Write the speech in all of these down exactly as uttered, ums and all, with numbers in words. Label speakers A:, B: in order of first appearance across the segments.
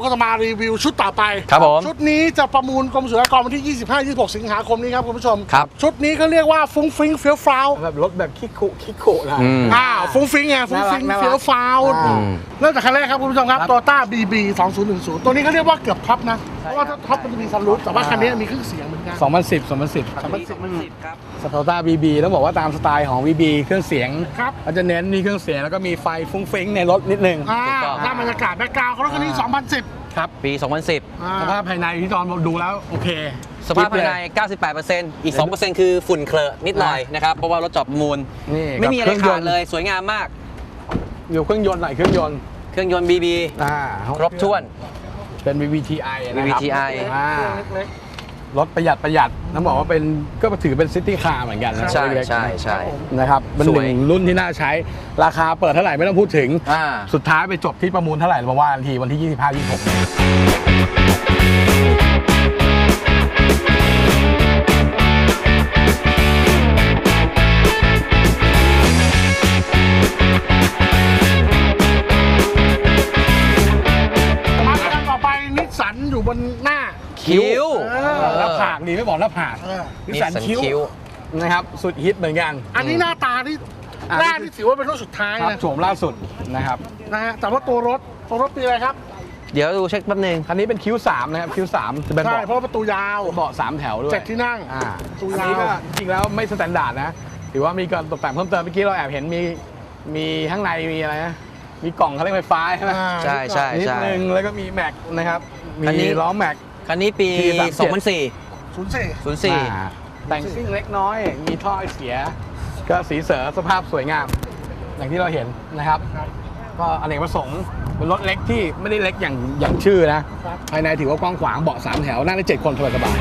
A: ก็จะมารีวิวชุดต่อไป
B: ครับผม
A: ชุดนี้จะประมูลกรมศุลกากรวันที่ ยี่สิบห้า ยี่สิบหก สิงหาคมนี้ครับคุณผู้ชม
B: ครับ
A: ชุดนี้เขาเรียกว่าฟุ้งฟิ้งเฟี้ยวฟ้าว
C: แบบรถแบบคิกคุคิกคุนะ
A: อ่าฟุ้งฟิ้งไงฟุ้งฟิ้งเฟี้ยวฟ้าวเริ่มจากคันแรกครับคุณผู้ชมครับ Toyota บี บี สองพันสิบ ตัวนี้เขาเรียกว่าเกือบท็อปนะเพราะว่าถ้าท็อปมันจะมีซันรูฟแต่ว่าคันนี้มีเครื่องเสียงเหมือนกัน
C: สองพันสิบ สองพันสิบ
A: สองพันสิบ
B: ครับ
C: สโตต้า บี บี ต้องบอกว่าตามสไตล์ของ บี บี เครื่องเสียง
A: ครับ
C: เขาจะเน้นมีเครื่องเสียงแล้วก็มีไฟฟุ้งฟิ้งในรถนิดนึง
A: อ่าถ้าบรรยากาศแบ็คกราวด์เขารถคันนี้สองพันสิบ
C: ครับ
B: ปี สองพันสิบ
C: สภาพภายในที่ตอนดูแล้วโอเค
B: สภาพภายใน เก้าสิบแปดเปอร์เซ็นต์ อีก สองเปอร์เซ็นต์ คือฝุ่นเคลอะนิดหน่อยนะครับเพราะว่ารถจอบประมูลไม่มีอะไรขาดเลยสวยงามมาก
C: อยู่เครื่องยนต์หน่อยเครื่องยนต์
B: เครื่องยนต์ บี บี ครบถ้วน
C: เป็น วี บี ที ไอ
B: วี บี ที ไอ
C: รถประหยัดประหยัดต้องบอกว่าเป็นก็ถือเป็นซิตี้คาร์เหมือนกันนะ
B: ใช่ใช่ใช่
C: นะครับเป็นหนึ่งรุ่นที่น่าใช้ราคาเปิดเท่าไหร่ไม่ต้องพูดถึงสุดท้ายไปจบที่ประมูลเท่าไหร่มาว่ากันทีวันที่ ยี่สิบห้า ยี่สิบหก
A: อยู่บนหน้า
B: คิ้ว
C: หน้าผากดีไม่บอกหน้าผากนิสสันคิ้วนะครับสุดฮิตเหมือนกัน
A: อันนี้หน้าตาที่หน้าที่ถือว่าเป็นรุ่นสุดท้ายนะ
C: โฉมล่าสุดนะครับ
A: นะฮะแต่ว่าตัวรถตัวรถปีอะไรครับ
B: เดี๋ยวดูเช็คแป๊บนึง
C: คันนี้เป็นคิ้วสามนะครับคิ้วสามจะเป็นเบาะ
A: เพราะประตูยาว
C: เบาะสามแถวด้วย
A: เจ็ดที่นั่ง
C: อ่าตัวนี้ก็จริงแล้วไม่สแตนดาร์ดนะถือว่ามีการตกแต่งเพิ่มเติมเมื่อกี้เราแอบเห็นมีมีข้างในมีอะไรนะมีกล่องเขาเรียกไฟฟ้าใช่ไหม
B: ใช่ใช่
C: นิดนึงแล้วก็มีแม็กนะครับมีล้อแม็ก
B: คันนี้ปี สองพันสี่
A: ศูนย์สี่
B: ศูนย์สี่
C: แต่งซิ่งเล็กน้อยมีท่อเสียก็สีเสือสภาพสวยงามอย่างที่เราเห็นนะครับก็อเนกประสงค์เป็นรถเล็กที่ไม่ได้เล็กอย่างอย่างชื่อนะภายในถือว่ากว้างขวางเบาะสามแถวนั่งได้เจ็ดคนสบาย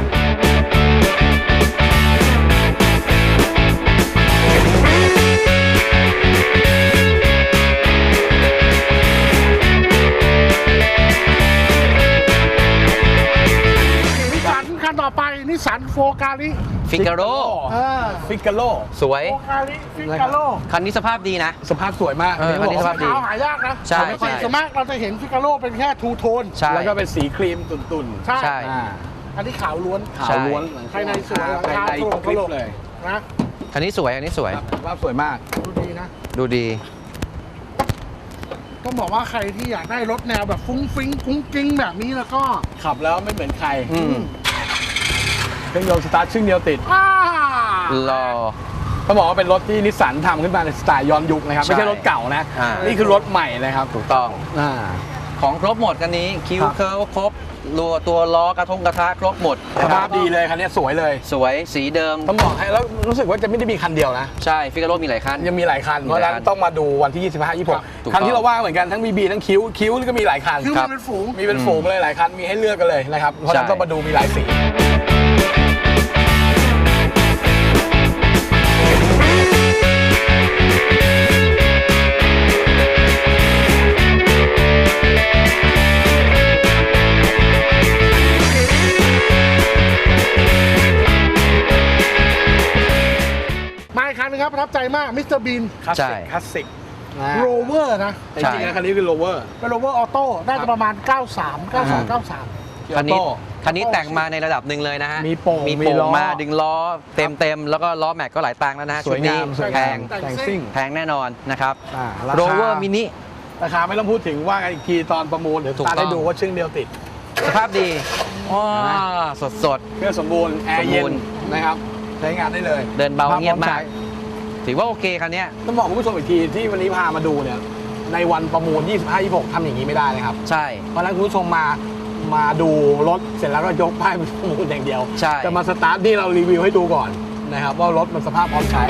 A: คันต่อไปนิสสันโฟกาลิ
B: ฟิกาโร่
C: ฟิกาโร่
B: สวย
A: โฟกาลิฟิกาโร่
B: คันนี้สภาพดีนะ
C: สภาพสวยมาก
B: คันนี้สภาพดี
A: หายากนะ
B: ใช่ใช่
A: ส่วนมากเราจะเห็นฟิกาโร่เป็นแค่ทูโทน
C: แล้วก็เป็นสีครีมตุ่น
A: ๆใช่อันนี้ขาวล้วน
C: ขาวล้วน
A: ภายในสวย
C: ภายในคลิปเลย
A: นะ
B: คันนี้สวยอันนี้สวย
C: สภาพสวยมาก
A: ดูดีนะ
B: ดูดี
A: ต้องบอกว่าใครที่อยากได้รถแนวแบบฟุ้งฟิ้งกุ้งกิ้งแบบนี้แล้วก็
C: ขับแล้วไม่เหมือนใครเครื่องยนต์สตาร์ทชึ่งเดียวติด
B: รอ
C: ต้องบอกว่าเป็นรถที่นิสสันทำขึ้นมาในสไตล์ย้อนยุคนะครับไม่ใช่รถเก่านะนี่คือรถใหม่เลยครับ
B: ถูกต้องของครบหมดกันนี้คิ้วเคิร์ฟครบตัวตัวล้อกระทงกระทะครบหมด
C: สภาพดีเลยคันนี้สวยเลย
B: สวยสีเดิม
C: ต้องบอกให้แล้วรู้สึกว่าจะไม่ได้มีคันเดียวนะ
B: ใช่ฟิกาโร่มีหลายคัน
C: ยังมีหลายคันเพราะฉะนั้นต้องมาดูวันที่ ยี่สิบห้า ยี่สิบหก คันที่เราว่าเหมือนกันทั้ง บี บี ทั้งคิ้วคิ้วก็มีหลายคัน
A: คิ้วมีเป็นฝูง
C: มีเป็นฝูงเลยหลายคันมีให้เลือกกันเลยนะครับเพราะฉะนั้นต้องมาดูมีหลายสี
A: ครับประทับใจมากมิสเตอร์บีน
C: คลาสสิกคลาสสิก
A: โรเวอร์นะ
C: จริงๆคันนี้คือโรเวอร์
A: เป็นโรเวอร์ออโต้น่าจะประมาณเก้าสาม เก้าสอง เก้าสาม
B: คันนี้คันนี้แต่งมาในระดับหนึ่งเลยนะฮะ
C: มีโป่ง
B: มีโป่งมาดึงล้อเต็มเต็มแล้วก็ล้อแม็กก็หลายตังค์แล้วนะชุดนี้แพง
C: แต่งซิ่ง
B: แพงแน่นอนนะครับโรเวอร์มินิ
C: ราคาไม่ต้องพูดถึงว่ากันอีกทีตอนประมูลเดี๋ยวตาได้ดูว่าชึ่งเดียวติด
B: สภาพดีว้าสดสด
C: เครื่องสมบูรณ์แอร์เย็นนะครับใช้งานได้เลย
B: เดินเบาเงียบมากถือว่าโอเคคันนี้
C: ต้องบอกคุณผู้ชมอีกทีที่วันนี้พามาดูเนี่ยในวันประมูล ยี่สิบห้า ยี่สิบหก ทำอย่างนี้ไม่ได้นะครับ
B: ใช่
C: เพราะฉะนั้นคุณผู้ชมมามาดูรถเสร็จแล้วก็ยกป้ายประมูลอย่างเดียว
B: ใช่
C: จะมาสตาร์ทที่เรารีวิวให้ดูก่อนนะครับว่ารถมันสภาพพร้อมใช้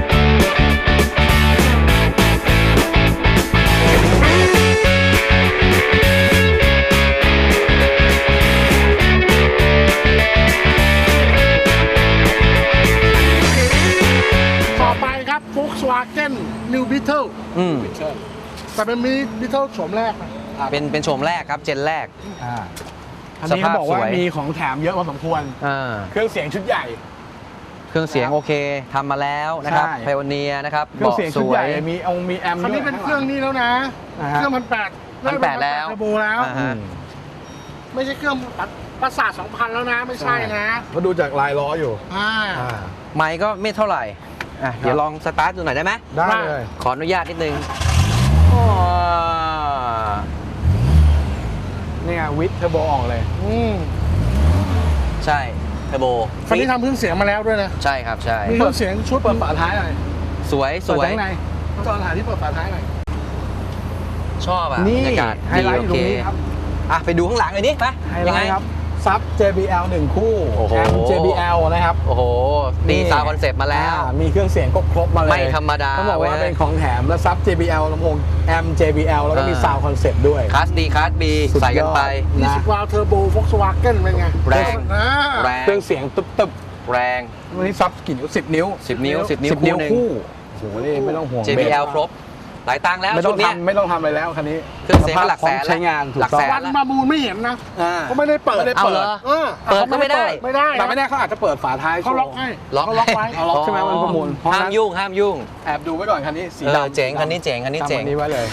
A: Volkswagen New Beetle
B: อืม
A: แต่เป็นมินิ Beetle โฉมแรกนะ
B: เป็นเป็นโฉมแรกครับเจนแรก
C: อันนี้เขาบอกว่ามีของแถมเยอะพอสมควรเครื่องเสียงชุดใหญ่
B: เครื่องเสียงโอเคทำมาแล้วนะครับไพโอเนียนะครับ
C: เครื่องเสียงชุดใหญ่มีองมีแอม
A: คันนี้เป็นเครื่องนี้แล้วนะเครื่องพันแปด
B: พันแปดแล้ว
A: โบแล้วไม่ใช่เครื่องประสาทสองพันแล้วนะ ไม่ใช่นะ
C: เขาดูจากลายล้ออยู่
A: อ่า
C: อ่า
B: ไมค์ก็ไม่เท่าไหร่อ่ะเดี๋ยวลองสตาร์ทดูหน่อยได้ไหม
C: ได้เลย
B: ขออนุญาตนิดนึงอ๋อ
C: นี่ไงวิทเทอร์โบออกเลย
A: อืม
B: ใช่เทอร์โบ
A: คันนี้ทำเครื่องเสียงมาแล้วด้วยนะ
B: ใช่ครับใช่
A: มีเครื่องเสียงชุด
C: เปิดฝาท้ายหน่อย
B: สวยส
C: เปิด
B: วย
C: ข้างในจอหาที่เปิดฝาท้ายหน่อย
B: ชอบอ่ะ
C: นี่
B: บรรยากาศ
C: ไฮไลท์อยู่ตรงนี้ครับ
B: อ่ะไปดูข้างหลังเลยดิไป
C: ไฮ
B: ยั
C: ไล
B: งไง
C: ท์ครับซับ เจ บี แอล หนึ่งคู่
B: โอ้โห
C: แอม เจ บี แอล นะครับ
B: โอ้โหตี
C: นี่
B: ซาวด์คอนเซปต์มาแล้ว
C: อ่ามีเครื่องเสียงครบๆมาเลย
B: ไม่ธรรมดา
C: ต้องบอกว่า
B: เว้ย
C: เป็นของแถมแล้วซับ เจ บี แอล ลำโพงแอม เจ บี แอล แล้วก็มี
B: เออ
C: ซาวด์คอนเซปต์ด้วย
B: คลาสดีคลาสบี
C: สุดยอด
B: ใส่กันไป
C: นะ
A: ยี่สิบวาล์วเทอร์โบโฟล์กสวาเกนเป็นไง
B: แรง
A: อ่า
B: แรง
C: เครื่องเสียงตึบ
B: แรง
C: ๆวันนี้ซับกี่นิ้วสิบนิ้ว
B: สิบนิ้วสิบนิ้ว
C: สิบนิ้ว
B: หนึ่ง
C: คู่โอ้โหนี่ไม่ต้องห่วง
B: เจ บี แอล ครบ หลายตังค์แล้ว
C: ไม่ต้
B: ชุ
C: อ
B: ด
C: ง
B: เนี้ย
C: ทำไม่ต้องทำอะไรแล้วคันนี้
B: เครื่องเสียงก็หลักแสน
C: พร้อมใช้งานถูก
B: หลัก
C: ต้อง
B: แส
A: วันมามูลไม่เห็นนะ
C: อ่า
A: เขาไม่ได้เปิด
C: ไม่ได้
B: เอา
C: เปิ
B: เหร
C: ด
B: อ
A: เออ
B: เปิดก็ไม่ได้
A: ไม่ได้
C: แต่ไม่แน่เขาอาจจะเปิดฝาท้าย
A: เขาล็อกให้
B: ล็อก
A: เขาล็อกไว้
C: เอาล็อกใช่ไหมมันประมูลเพราะฉะ
B: ห้า
C: นั้
B: ม
C: น
B: ยุ่งห้ามยุ่ง
C: แอบดูไว้ก่อนคันนี้สี
B: เออ
C: ดำ
B: เจ๋งคันนี้เจ๋งคันนี้เจ๋ง
C: ทำอันนี้ไว้เลย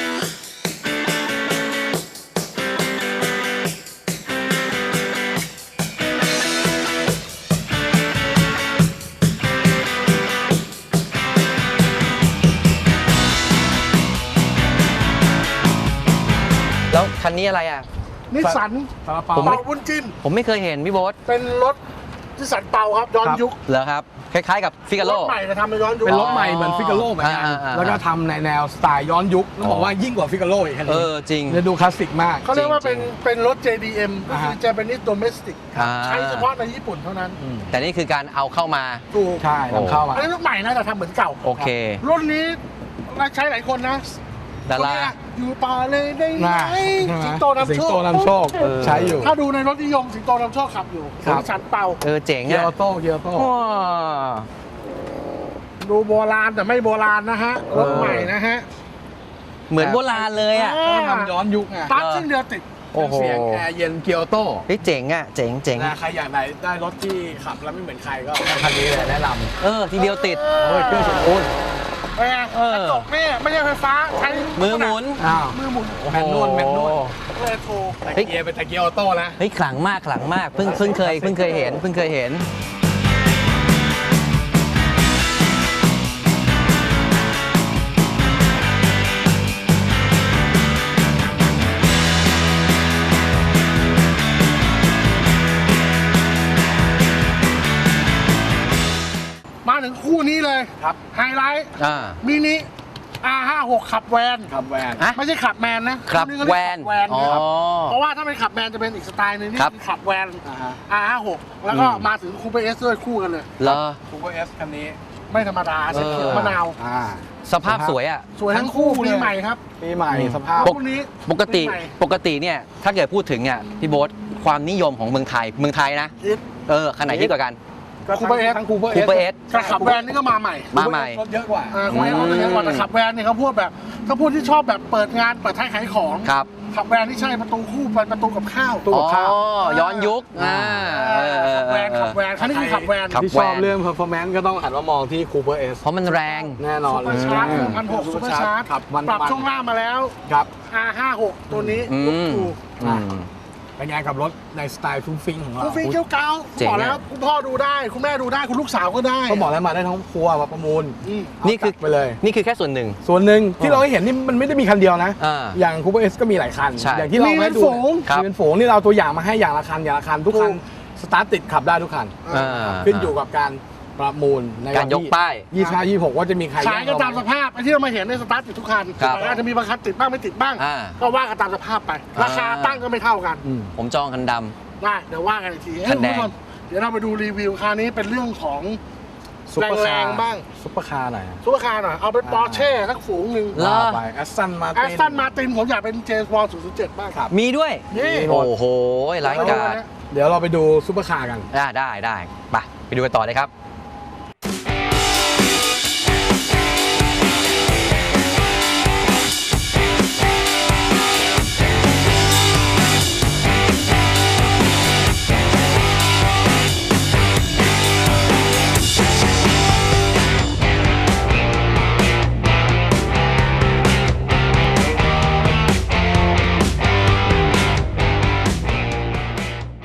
B: แล้วคันนี้อะไรอ่ะ
A: นิสสัน
C: ซาลาเปา
B: ผมไม่
A: เป่าบุญจิน
B: ผมไม่เคยเห็นพี่โบ๊ท
A: เป็นรถนิสสันเป่าครับย้อนยุค
B: เหรอครับ คล้ายๆกับฟิกาโล
A: รถใหม่แต่ทำมาย้อนยุค
C: เป็นรถใหม่เหมือนฟิกาโลเหมือนกัน
B: อ่าอ่าอ่า
C: แล้วก็ทำในแนวสไตล์ย้อนยุคต้องบอกว่ายิ่งกว่าฟิกาโลอีกคัน
B: เอ
C: นี้
B: อจริง
C: จะดูคลาสสิกมาก
A: เขาเรียกว่าเป็น
B: จริง
A: เป็นรถ เจ ดี เอ็ม ก็คือ
C: อ่าฮะ
A: Japanese Domestic
B: อ่า
A: ใช้เฉพาะในญี่ปุ่นเท่านั้น
B: แต่นี่คือการเอาเข้ามา
A: ถูก
C: ใช่นำเข้ามา
A: อันนี้รถใหม่นะแต่ทำเหมือนเก่า
B: โอเค
A: รุ่นนี้ใช้หลายคนนะ
B: ดารา
A: คนเนี้ยอยู่ป่าเลยได้ไหม
C: น่าใช่ไหม
A: สิงโตนำ
C: สิง
A: โชค
C: โตนำโชค
B: เออ
C: ใช้อยู่
A: ถ้าดูในรถนิยมสิงโตนำโชคขับอยู่
C: ครับ
A: นิสสันเป่า
B: เออเจ๋ง
C: เกียร์
B: อ่ะ
C: ออโต้เกียร์ออโต้
B: ว้า
A: ดูโบราณแต่ไม่โบราณนะฮะ รถใหม่นะฮะ
B: เหมือนโบราณเลยอ่ะ
A: อ่า
C: เขาทำย้อนยุคไง
A: ปั๊บซึ่งเดียวติด
B: โอ้โห
C: เสียงแอร์เย็นเกียร์ออโต้
B: เฮ้ยเจ๋งอ่ะเจ๋งเจ๋ง
C: นะใครอยากได้ได้รถที่ขับแล้วไม่เหมือนใครก็คันนี้เลยแนะนำ
B: เออทีเดียวติด
C: โอ้ยเครื่องเสียงโอ้ย
A: เป็นไง
B: เออ
A: กระจกนี่ไม่ใช่ไฟฟ้าใช้
B: มือหมุน
C: อ้าว
A: มือหมุน
C: แมนนวลแมนนวล
A: เรโทร
C: แต่
B: เฮ้ย
C: เกียร์เป็นแต่เกียร์ออโต้นะ
B: เฮ้ยขลังมากขลังมากเพิ่งเพิ่งเคยเพิ่งเคยเห็นเพิ่งเคยเห็น
A: มาถึงคู่นี้เลย
C: ครับ
A: ไฮไลท์
B: อ่า
A: มินิ อาร์ ห้าสิบหก ขับแวน
C: ขับแวน
B: ฮะ
A: ไม่ใช่ขับแมนนะครับ นี่ก็
B: แว
A: เรียก
B: น
A: ขับแวน
B: อ๋อ
A: นะครับเพราะว่าถ้าเป็นขับแมนจะเป็นอีกสไตล์หนึงนี่
B: ครับ
A: คือขับแวน
C: อ่าฮะ
A: อาร์ ห้าสิบหก แล้วก็
B: อืม
A: มาถึงคูเปอร์เอสด้วยคู่กันเลย
B: เหรอ
C: ซูเปอร์เอสคันนี้
A: ไม่ธรรมดาเส้นเขียวมะนาว
C: อ่า
B: สภาพสวยอ่ะ
A: สวยทั้งคู่
C: ทั้งคู่
A: ปี
C: เลย
A: ใหม่ครับ
C: ปีใหม่
B: อืม
C: สภาพ
A: คู่นี้
B: ปกติ
A: ปีใหม่
B: ปกติเนี่ยถ้าเกิดพูดถึงเนี่ยพี่โบ๊ทความนิยมของเมืองไทยเมืองไทยนะ
A: ฮิต
B: เออขนาดที่กว่ากัน
C: ก็ทั้ง
A: Cooper S
C: ทั้งคูเปอร์เอ
B: Cooper S
A: แต่ขับแวนนี่ก็มาใหม่
B: มาใหม่
C: รถเยอะกว่า
A: อ่าคูเปอร์เอสเขาจะเยอะกว่าแต่ขับแวนเนี่ยเขาพูดแบบเขาพูดที่ชอบแบบเปิดงานเปิดท้ายขายของ
B: ครับ
A: ขับแวนที่ใช่ประตูคู่เป็นประตูกับข้าว
C: ตู้
B: อ๋
C: กับข้าว
B: อย้อนยุคอ่าเออเออ
A: ขับ
B: เอ
A: แว
B: อน เอ
A: ขั
B: อบ
A: แวนคันนี้คือขับแวน
B: ขับ
C: ที่ชอบเรื่อง performance ก็ต้องหันมามองที่คูเปอร์เอส
B: เพราะมันแรง
C: แน่นอน
A: ซุปเปอร์ชาร์จหนึ่งพันหกซุปเปอร์ชาร์จ
C: ขับมัน
A: ปรับช่วงล่างมาแล้ว
C: ครับ
A: อาร์ ห้าสิบหก ตัวนี้
B: อื
A: ลูก
B: ม
A: ถูก
B: อืม
C: เป็นไงกับรถในสไตล์ฟุ้งฟิ้งของเรา
A: คุณฟิงเกี้ยวเกา
B: เจ๋ง
A: บอกแล้ว
B: อะ
A: คุณพ่อดูได้ คุณแม่ดูได้ คุณลูกสาวก็ได้
C: ก็บอกแล้วมาได้ทั้งครัวมาประมูล
A: อืม
B: นี่คือ
C: เาจัดไปเลย
B: นี่คือแค่ส่วนหนึ่ง
C: ส่วนหนึ่งที่เราให้เห็นนี่มันไม่ได้มีคันเดียวนะ
B: อ่า
C: อย่างคูเปอร์เอสก็มีหลายคัน
B: ใช่
C: อย่างที่เรา
A: มีเป็
C: ให้
A: น
C: ดู
A: ฝูง
B: ครับ
C: มีเป็นฝูงนี่เราเอาตัวอย่างมาให้อย่างละคันอย่างละคันทุกคัน
A: ถูก
C: สตาร์ทติดขับได้ทุกคัน
B: อ่า
C: ขึ้นอยู่กับการประมูลใน
B: การยกป้าย
C: ยี่สิบห้ายี่สิบหกว่าจะมีใคร
A: ขายกันตามสภาพไอ้ที่เรามาเห็นในสตาร์ทติดทุกคัน
B: ครับ
A: อาจจะมีบางคันติดบ้างไม่ติดบ้าง
B: อ่า
A: ก็ว่ากันตามสภาพไป ราคา
B: อ่า
A: ตั้งก็ไม่เท่ากัน
C: อืม
B: ผมจองคันด
A: ได้เดี๋ยวว่ากันอีกที
B: คันแดง
A: เอ้ยคุณผู้ชมเดี๋ยวเราไปดูรีวิวคราวนี้เป็นเรื่องของ
C: ซุปเปอร์คา
A: แรง
C: ร์
A: ๆบ้าง
C: ซุปเปอร์คาร์หน่อย
A: ซุปเปอร์คาร์หน่อยเอาเป็นปอร์เช่สักฝูงหนึ่ง
B: เหรอ
C: ว่าไปแอสตันมา
A: แอสตันมาตินผมอยากเป็นเจมส์บอลศูนย์ศูนย์เจ็ดบ้างครับ
B: ำมีด้วย
A: นี่
B: โอ้โหร้ายกาจ
C: เดี๋ยวเราไปดูซุปเปอร์คาร์กัน
B: ได้ได้ได้ไปไปดูกันต่อเลยครับ